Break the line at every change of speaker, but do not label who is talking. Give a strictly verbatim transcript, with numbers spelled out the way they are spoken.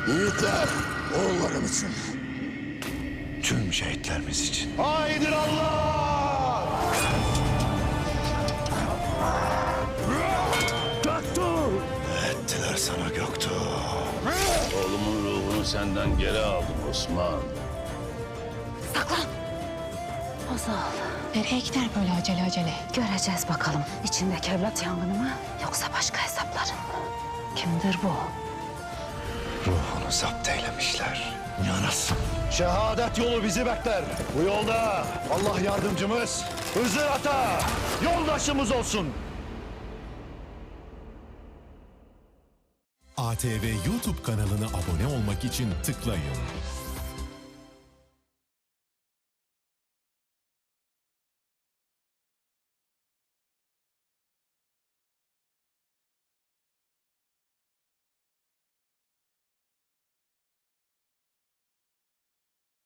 Yiğitler, oğullarım için.
Tüm şehitlerimiz için.
Haydi Allah! Göktuğ!
Ettiler sana Göktuğ.
Oğlumun ruhunu senden geri aldım Osman.
Saklan. Ozal. Nereye gider böyle acele acele? Göreceğiz bakalım. İçindeki evlat yangını mı yoksa başka hesapların mı? Kimdir bu?
Ruhunu zapt eylemişler. Yanasın.
Şehadet yolu bizi bekler. Bu yolda Allah yardımcımız, Hızır Ata yoldaşımız olsun.
A T V YouTube kanalına abone olmak için tıklayın.